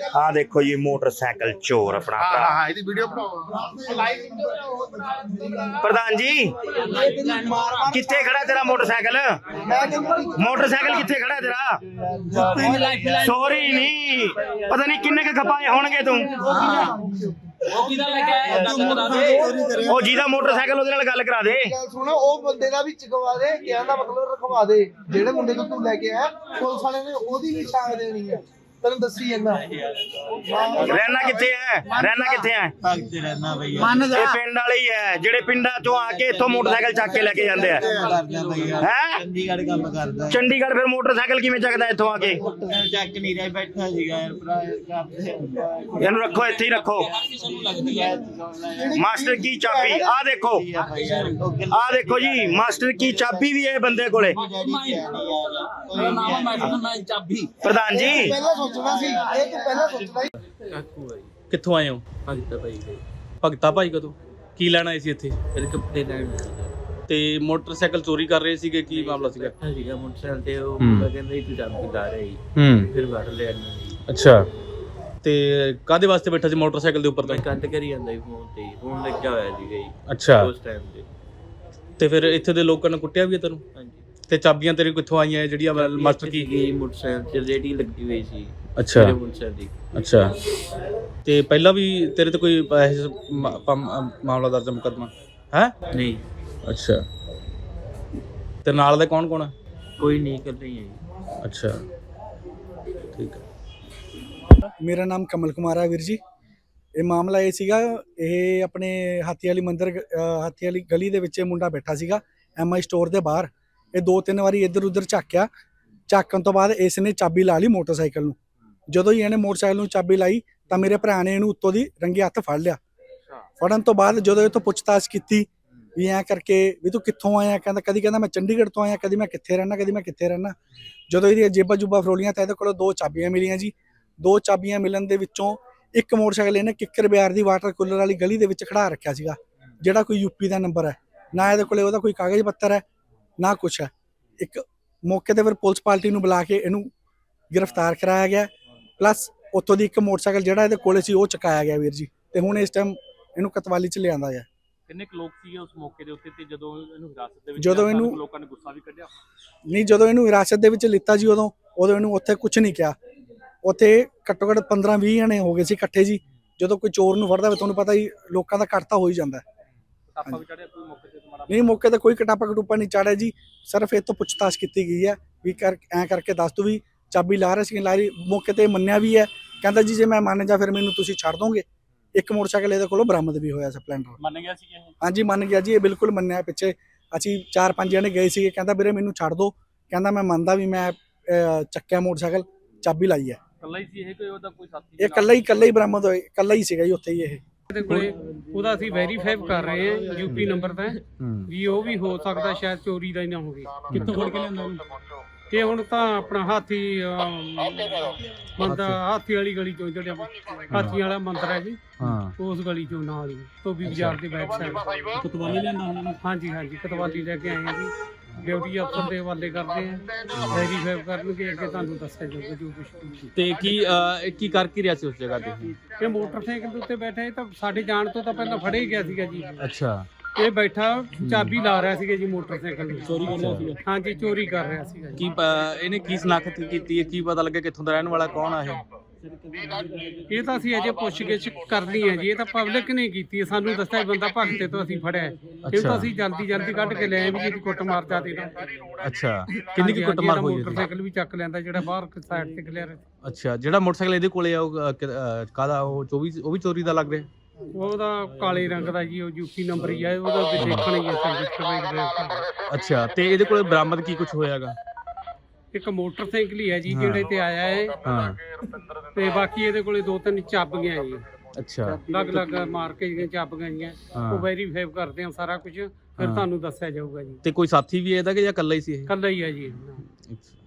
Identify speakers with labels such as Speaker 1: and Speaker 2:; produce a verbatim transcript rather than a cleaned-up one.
Speaker 1: आ देखो जी मोटरसाइकिल चोर अपना प्रधान जी किथे खड़ा तेरा मोटरसाइकिल मोटरसाइकिल किथे खड़ा तेरा सॉरी नहीं पता नहीं किन्ने के खपाए होणगे तू ਉਹ ਜਿਹਦਾ ਮੋਟਰਸਾਈਕਲ ਉਹਦੇ ਨਾਲ ਗੱਲ ਕਰਾ ਦੇ
Speaker 2: ਸੁਣੋ ਉਹ ਬੰਦੇ ਦਾ ਵੀ ਚਕਵਾ ਦੇ ਕਹਿਣ ਦਾ ਮਤਲਬ ਰਖਵਾ ਦੇ ਜਿਹੜੇ ਮੁੰਡੇ ਨੂੰ ਤੂੰ ਲੈ ਕੇ ਆਇਆ ਪੁਲਿਸ ਵਾਲੇ ਨੇ ਉਹਦੀ ਵੀ ਛਾਂ ਦੇਣੀ ਹੈ ਤੈਨੂੰ ਦੱਸੀ ਜਾਂਦਾ
Speaker 1: ਰਹਿਣਾ ਕਿੱਥੇ ਹੈ ਰਹਿਣਾ ਕਿੱਥੇ ਹੈ
Speaker 3: ਭਗਤੇ ਰਹਿਣਾ ਬਈ
Speaker 1: ਇਹ ਪਿੰਡ ਵਾਲੇ ਹੀ ਹੈ ਜਿਹੜੇ ਪਿੰਡਾਂ ਚੋਂ ਆ ਕੇ ਇੱਥੋਂ ਮੋਟਰਸਾਈਕਲ ਚੱਕ ਕੇ ਲੈ ਕੇ ਜਾਂਦੇ ਆ ਹੈ
Speaker 3: ਚੰਡੀਗੜ੍ਹ ਕੰਮ ਕਰਦਾ
Speaker 1: ਚੰਡੀਗੜ੍ਹ ਫਿਰ ਮੋਟਰਸਾਈਕਲ ਕਿਵੇਂ ਚੱਕਦਾ ਇੱਥੋਂ ਆ ਕੇ
Speaker 3: ਚੱਕ ਨਹੀਂ ਰਿਹਾ ਬੈਠਾ ਸੀਗਾ ਯਾਰ ਭਰਾ
Speaker 1: ਇਹਨੂੰ ਰੱਖੋ ਇੱਥੇ ਹੀ ਰੱਖੋ ਮਾਸਟਰ ਕੀ ਚਾਬੀ ਆ ਦੇਖੋ ਆ ਦੇਖੋ ਜੀ ਮਾਸਟਰ ਕੀ ਚਾਬੀ ਵੀ ਹੈ ਬੰਦੇ ਕੋਲੇ ਪ੍ਰਧਾਨ ਜੀ
Speaker 2: ਪਹਿਲਾਂ ਸੋਚਣਾ ਸੀ ਇਹ ਤੂੰ ਪਹਿਲਾਂ ਸੋਚਣਾ ਸੀ
Speaker 4: ਕਿੱਥੋਂ ਆਏ ਹੋ?
Speaker 5: ਭਗਤਾ ਭਾਈ ਦੇ
Speaker 4: ਭਗਤਾ ਭਾਈ ਕਦੋਂ ਕੀ ਲੈਣ ਆਏ ਸੀ ਇੱਥੇ?
Speaker 5: ਫਿਰ ਕੱਪੜੇ ਲੈਣ
Speaker 4: ਤੇ ਮੋਟਰਸਾਈਕਲ ਚੋਰੀ ਕਰ ਰਹੇ ਸੀਗੇ, ਕੀ ਮਾਮਲਾ ਸੀਗਾ?
Speaker 5: ਬੈਠਾ ਸੀਗਾ ਮੋਟਰਸਾਈਕਲ ਤੇ ਉਹ ਮੁੰਡਾ ਕਹਿੰਦਾ ਸੀ ਤੂੰ ਚਾਬੀ ਲਾ ਰਿਹਾ ਸੀ
Speaker 4: ਹੂੰ
Speaker 5: ਫਿਰ ਵੜ ਲਿਆ ਇਹਨਾਂ ਨੇ।
Speaker 4: ਅੱਛਾ ਤੇ ਕਾਹਦੇ ਵਾਸਤੇ ਬੈਠਾ ਸੀ ਮੋਟਰਸਾਈਕਲ ਦੇ ਉੱਪਰ
Speaker 5: ਮੈਂ
Speaker 4: ਤਾਂ?
Speaker 5: ਕੰਟ ਕਰੀ ਜਾਂਦਾ ਸੀ ਫੋਨ ਤੇ ਫੋਨ ਲੱਗਿਆ ਹੋਇਆ ਸੀਗਾ ਜੀ
Speaker 4: ਅੱਛਾ
Speaker 5: ਉਸ ਟਾਈਮ ਤੇ।
Speaker 4: ਤੇ ਫਿਰ ਇੱਥੇ ਦੇ ਲੋਕਾਂ ਨੇ ਕੁੱਟਿਆ ਵੀ ਹੈ ਤੈਨੂੰ?
Speaker 5: ਹਾਂਜੀ
Speaker 4: ਤੇ ਚਾਬੀਆਂ ਤੇਰੇ ਕਿੱਥੋਂ ਆਈਆਂ ਜਿਹੜੀਆਂ ਮਾਸਟਰ ਕੀ?
Speaker 5: ਸੀਗੀ ਮੋਟਰਸਾਈਕਲ ਤੇ ਰੇਡੀ ਲੱਗੀ ਹੋਈ ਸੀ
Speaker 4: ਅੱਛਾ
Speaker 5: ਮੇਰੇ ਮੋਟਰਸਾਈਕਲ ਦੀ।
Speaker 4: ਅੱਛਾ ਤੇ ਪਹਿਲਾਂ ਵੀ ਤੇਰੇ ਤੇ ਕੋਈ ਇਹੋ ਜਿਹਾ ਮਾ- ਪਮ- ਮਾਮਲਾ ਦਰਜ ਮੁਕੱਦਮਾ ਹੈ?
Speaker 5: ਨਹੀਂ
Speaker 4: ਅੱਛਾ ਤੇ ਨਾਲ ਦੇ ਕੌਣ ਕੌਣ ਹੈ?
Speaker 5: ਕੋਈ ਨਹੀਂ ਕਰ ਰਹੀ ਹੈ ਜੀ।
Speaker 4: ਅੱਛਾ ਠੀਕ ਹੈ।
Speaker 6: ਮੇਰਾ ਨਾਮ ਕਮਲ ਕੁਮਾਰ ਹੈ ਵੀਰ ਜੀ। ਇਹ ਮਾਮਲਾ ਇਹ ਸੀਗਾ, ਇਹ ਆਪਣੇ ਹਾਥੀ ਵਾਲੀ ਮੰਦਿਰ ਅ, ਹਾਥੀ ਵਾਲੀ ਗਲੀ ਦੇ ਵਿੱਚ ਇਹ ਮੁੰਡਾ ਬੈਠਾ ਸੀਗਾ ਐਮ ਆਈ ਸਟੋਰ ਦੇ ਬਾਹਰ। ਇਹ ਦੋ ਤਿੰਨ ਵਾਰੀ ਇੱਧਰ ਉੱਧਰ ਝਾਕਿਆ, ਝਾਕਣ ਤੋਂ ਬਾਅਦ ਇਸ ਨੇ ਚਾਬੀ ਲਾ ਲਈ ਮੋਟਰਸਾਈਕਲ ਨੂੰ। ਜਦੋਂ ਹੀ ਇਹਨੇ ਮੋਟਰਸਾਈਕਲ ਨੂੰ ਚਾਬੀ ਲਾਈ ਤਾਂ ਮੇਰੇ ਭਰਾ ਨੇ ਇਹਨੂੰ ਉੱਤੋਂ ਦੀ ਰੰਗੇ ਹੱਥ ਫੜ ਲਿਆ। ਫੜਨ ਤੋਂ ਬਾਅਦ ਜਦੋਂ ਇਹ ਤੋਂ ਪੁੱਛਤਾਛ ਕੀਤੀ ਵੀ ਐਂ ਕਰਕੇ ਵੀ ਤੂੰ ਕਿੱਥੋਂ ਆਇਆ, ਕਹਿੰਦਾ ਕਦੀ ਕਹਿੰਦਾ ਮੈਂ ਚੰਡੀਗੜ੍ਹ ਤੋਂ ਆਇਆ, ਕਦੀ ਮੈਂ ਕਿੱਥੇ ਰਹਿਣਾ, ਕਦੀ ਮੈਂ ਕਿੱਥੇ ਰਹਿਣਾ। ਜਦੋਂ ਇਹਦੀਆਂ ਜੇਬਾਂ ਜੁਬਾਂ ਫਰੋਲੀਆਂ ਤਾਂ ਇਹਦੇ ਕੋਲ ਦੋ ਚਾਬੀਆਂ ਮਿਲੀਆਂ ਜੀ। ਦੋ ਚਾਬੀਆਂ ਮਿਲਣ ਦੇ ਵਿੱਚੋਂ ਇੱਕ ਮੋਟਰਸਾਈਕਲ ਇਹਨੇ ਕਿੱਕਰ ਬਿਆਰ ਦੀ ਵਾਟਰ ਕੂਲਰ ਵਾਲੀ ਗਲੀ ਦੇ ਵਿੱਚ ਖੜਾ ਰੱਖਿਆ ਸੀਗਾ, ਜਿਹੜਾ ਕੋਈ ਯੂਪੀ ਦਾ ਨੰਬਰ ਹੈ। ਨਾ ਇਹਦੇ ਕੋਲੇ ਉਹਦਾ ਕੋਈ ਕਾਗਜ਼ ਪੱਤਰ ਹੈ ਨਾ ਕੁਛ ਹੈ। ਇੱਕ ਮੌਕੇ ਤੇ ਫਿਰ ਪੁਲਿਸ ਪਾਰਟੀ ਨੂੰ ਬੁਲਾ ਕੇ ਇਹਨੂੰ ਗ੍ਰਿਫਤਾਰ ਕਰਾਇਆ ਗਿਆ, ਪਲੱਸ ਉੱਥੋਂ ਦੀ ਇੱਕ ਮੋਟਰਸਾਈਕਲ ਜਿਹੜਾ ਇਹਦੇ ਕੋਲੇ ਸੀ ਉਹ ਚੁਕਾਇਆ ਗਿਆ ਵੀਰ ਜੀ। ਤੇ ਹੁਣ ਇਸ ਟਾਈਮ ਇਹਨੂੰ ਕਤਵਾਲੀ ਚ ਲਿਆਂਦਾ ਗਿਆ।
Speaker 4: ਕਿੰਨੇ ਕੁ ਲੋਕ ਸੀਗੇ ਉਸ ਮੌਕੇ ਦੇ ਉੱਤੇ ਤੇ ਜਦੋਂ ਇਹਨੂੰ ਹਿਰਾਸਤ ਦੇ ਵਿੱਚ
Speaker 6: ਜਦੋਂ
Speaker 4: ਲਿਆ,
Speaker 6: ਇਹਨੂੰ-
Speaker 4: ਲੋਕਾਂ ਨੇ ਗੁੱਸਾ ਵੀ ਕੱਢਿਆ?
Speaker 6: ਨਹੀਂ, ਜਦੋਂ ਇਹਨੂੰ ਹਿਰਾਸਤ ਦੇ ਵਿੱਚ ਲਿੱਤਾ ਜੀ ਉਦੋਂ ਉਦੋਂ ਇਹਨੂੰ ਉੱਥੇ ਕੁਝ ਨਹੀਂ ਕਿਹਾ। ਉੱਥੇ ਘੱਟੋ ਘੱਟ ਪੰਦਰਾਂ ਵੀਹ ਜਣੇ ਹੋ ਗਏ ਸੀ ਇਕੱਠੇ ਜੀ। ਜਦੋਂ ਕੋਈ ਚੋਰ ਨੂੰ ਫੜਦਾ ਤੁਹਾਨੂੰ ਪਤਾ ਹੀ ਲੋਕਾਂ ਦਾ ਘੱਟ ਤਾਂ ਹੋ ਹੀ ਜਾਂਦਾ।
Speaker 4: ਟਾਪਾ ਵੀ ਚੜਿਆ ਕੋਈ ਮੌਕੇ ਤੇ ਤੁਹਾਡਾ?
Speaker 6: ਨਹੀਂ, ਮੌਕੇ ਤੇ ਕੋਈ ਕਟਾਪਾ ਕਟੂਪਾ ਨਹੀਂ ਚਾੜਿਆ ਜੀ। ਸਿਰਫ ਇਹ ਤੋਂ ਪੁੱਛਤਾਛ ਕੀਤੀ ਗਈ ਹੈ ਵੀ ਕਰ ਐਂ ਕਰਕੇ ਦੱਸ ਤੂੰ ਵੀ ਚਾਬੀ ਲਾ ਰਿਹਾ ਸੀ, ਲਾ ਰਹੀ। ਮੌਕੇ ਤੇ ਮੰਨਿਆ ਵੀ ਹੈ, ਕਹਿੰਦਾ ਜੀ ਜੇ ਮੈਂ ਮੰਨ ਜਾ ਫਿਰ ਮੈਨੂੰ ਤੁਸੀਂ ਛੱਡ ਦੋਗੇ। ਇੱਕ ਮੋਟਰਸਾਈਕਲ ਇਹਦੇ ਕੋਲੋਂ ਬਰਾਮਦ ਵੀ ਹੋਇਆ ਸਪਲੈਂਡਰ।
Speaker 4: ਮੰਨ ਗਿਆ ਸੀ ਇਹ?
Speaker 6: ਹਾਂਜੀ ਮੰਨ ਗਿਆ ਜੀ, ਇਹ ਬਿਲਕੁਲ ਮੰਨਿਆ। ਪਿੱਛੇ ਅਸੀਂ ਚਾਰ ਪੰਜ ਜਣੇ ਗਏ ਸੀਗੇ, ਕਹਿੰਦਾ ਵੀਰੇ ਮੈਨੂੰ ਛੱਡ ਦੋ, ਕਹਿੰਦਾ ਮੈਂ ਮੰਨਦਾ ਵੀ ਮੈਂ ਅਹ, ਚੱਕਿਆ ਮੋਟਰਸਾਈਕਲ, ਚਾਬੀ ਲਾਈ ਹੈ।
Speaker 4: ਇਕੱਲਾ ਹੀ ਸੀ ਇਹ, ਕੋਈ ਉਹਦਾ ਕੋਈ ਸਾਥੀ?
Speaker 6: ਇਹ ਇਕੱਲਾ ਹੀ ਇਕੱਲਾ ਹੀ ਬਰਾਮਦ ਹੋਇਆ, ਇਕੱਲਾ ਹੀ ਸੀਗਾ ਜੀ ਉੱਥੇ ਹੀ ਇਹ।
Speaker 7: ਇਹਦੇ ਕੋਲੇ ਉਹਦਾ ਅਸੀਂ ਵੈਰੀਫਾਈ ਕਰ ਰਹੇ ਹਾਂ ਯੂਪੀ ਨੰਬਰ ਦਾ ਵੀ ਉਹ ਵੀ ਹੋ ਸਕਦਾ ਸ਼ਾਇਦ ਚੋਰੀ ਦਾ ਹੀ ਨਾ ਹੋਵੇ।
Speaker 4: ਕਿੱਥੋਂ ਫੜ ਕੇ ਲਿਆਂਦਾ ਉਹਨੂੰ?
Speaker 7: ਤੇ ਹੁਣ ਤਾਂ ਆਪਣਾ ਹਾਥੀ ਮੰਦਰ ਹਾਥੀ ਵਾਲੀ ਗਲੀ ਚੋਂ ਜਿਹੜਾ ਹਾਥੀ ਵਾਲਾ ਮੰਦਰ ਹੈ ਜੀ, ਉਸ ਗਲੀ ਚੋਂ ਨਾਲ ਹੀ ਧੋਬੀ ਬਾਜ਼ਾਰ ਦੇ ਬੈਕ ਸਾਈਡ।
Speaker 4: ਕਤਵਾਲੀ ਲਿਆਂਦਾ ਉਹਨਾਂ ਨੇ?
Speaker 7: ਹਾਂਜੀ ਹਾਂਜੀ ਕਤਵਾਲੀ ਲੈ ਕੇ ਆਏ ਹਾਂ ਜੀ। ਡਿਊਟੀ ਅਫਸਰ ਦੇ ਹਵਾਲੇ ਕਰਦੇ ਆ, ਵੈਰੀਫਾਈ ਕਰਨਗੇ, ਅੱਗੇ ਤੁਹਾਨੂੰ ਦੱਸਿਆ ਜਾਊਗਾ ਜੋ ਕੁਛ।
Speaker 4: ਤੇ ਕੀ ਅਹ, ਇਹ ਕੀ ਕਰ ਕੀ ਰਿਹਾ ਸੀ ਉਸ ਜਗ੍ਹਾ ਤੇ?
Speaker 7: ਇਹ ਮੋਟਰਸਾਈਕਲ ਦੇ ਉੱਤੇ ਬੈਠਾ ਇਹ ਤਾਂ ਸਾਡੇ ਜਾਣ ਤੋਂ ਤਾਂ ਪਹਿਲਾਂ ਫੜੇ ਹੀ ਗਿਆ ਸੀਗਾ ਜੀ।
Speaker 4: ਅੱਛਾ
Speaker 7: ਇਹ ਬੈਠਾ ਚਾਬੀ ਲਾ ਰਿਹਾ ਸੀਗਾ ਜੀ ਮੋਟਰਸਾਈਕਲ ਨੂੰ।
Speaker 4: ਚੋਰੀ ਕਰ ਰਿਹਾ ਸੀਗਾ?
Speaker 7: ਹਾਂਜੀ ਚੋਰੀ ਕਰ ਰਿਹਾ ਸੀਗਾ ਜੀ।
Speaker 4: ਕੀ ਪ- ਇਹਨੇ ਕੀ ਸ਼ਨਾਖਤ ਕੀਤੀ ਹੈ, ਕੀ ਪਤਾ ਲੱਗਿਆ ਕਿੱਥੋਂ ਦਾ ਰਹਿਣ ਵਾਲਾ, ਕੌਣ ਆ ਇਹ?
Speaker 7: ਇਹ ਤਾਂ ਅਸੀਂ ਅਜੇ ਪੁੱਛਗਿੱਛ ਕਰਨੀ ਹੈ ਜੀ। ਇਹ ਤਾਂ ਪਬਲਿਕ ਨੇ ਕੀਤੀ ਹੈ, ਸਾਨੂੰ ਦੱਸਿਆ ਬੰਦਾ ਭਗਤੇ ਤੋਂ ਅਸੀਂ ਫੜਿਆ। ਇਹ ਤਾਂ ਅਸੀਂ ਜਲਦੀ ਜਲਦੀ ਕੱਢ ਕੇ ਲੈ ਆਏ ਵੀ ਜਿਹਦੀ ਕੁੱਟ ਮਾਰ ਜਾਦੀ ਨਾ।
Speaker 4: ਅੱਛਾ ਕਿੰਨੀ ਕੀ ਕੁੱਟਮਾਰ ਹੋਈ ਹੈ?
Speaker 7: ਮੋਟਰਸਾਈਕਲ ਵੀ ਚੱਕ ਲੈਂਦਾ ਜਿਹੜਾ ਬਾਹਰ ਸਾਈਡ ਤੇ ਖਲਿਆ ਰਿਹਾ।
Speaker 4: ਅੱਛਾ ਜਿਹੜਾ ਮੋਟਰਸਾਈਕਲ ਇਹਦੇ ਕੋਲੇ ਆ ਉਹ ਅਹ, ਕਿ- ਅਹ, ਕਾਹਦਾ ਉਹ ਚੌਵੀ ਉਹ ਵੀ ਚੋਰੀ ਦਾ ਲੱਗ ਰਿਹਾ?
Speaker 7: ਉਹਦਾ ਕਾਲੇ ਰੰਗ ਦਾ ਜੀ, ਉਹ ਯੂਪੀ ਨੰਬਰ ਹੀ ਆ, ਉਹਦਾ ਵੀ ਦੇਖਣਾ ਹੀ ਹੈ ਸਰਵਿਸ।
Speaker 4: ਅੱਛਾ ਤੇ ਇਹਦੇ ਕੋਲੇ ਬਰਾਮਦ ਕੀ ਕੁਝ ਹੋਇਆਗਾ?
Speaker 7: ਇੱਕ ਮੋਟਰਸਾਈਕਲ ਹੀ ਹੈ ਜੀ ਜਿਹੜੇ ਤੇ ਆਇਆ ਹੈ,
Speaker 4: ਹਾਂ
Speaker 7: ਤੇ ਬਾਕੀ ਇਹਦੇ ਕੋਲੇ ਦੋ ਤਿੰਨ ਚਾਬੀਆਂ ਜੀ,
Speaker 4: ਅੱਛਾ
Speaker 7: ਅਲੱਗ ਅਲੱਗ ਮਾਰ ਕੇ ਜਿਹੜੀਆਂ ਚਾਬੀਆਂ ਜੀਆਂ
Speaker 4: ਹਾਂ।
Speaker 7: ਉਹ ਵੈਰੀਫਾਈ ਕਰਦੇ ਆ ਸਾਰਾ ਕੁਝ, ਫਿਰ ਤੁਹਾਨੂੰ ਦੱਸਿਆ ਜਾਊਗਾ ਜੀ।
Speaker 4: ਤੇ ਕੋਈ ਸਾਥੀ ਵੀ ਹੈ ਇਹਦਾ ਕਿ ਜਾਂ ਇਕੱਲਾ ਹੀ ਸੀ ਇਹ?
Speaker 7: ਕੱਲਾ ਹੀ ਹੈ ਜੀ।
Speaker 4: ਅੱਛਾ।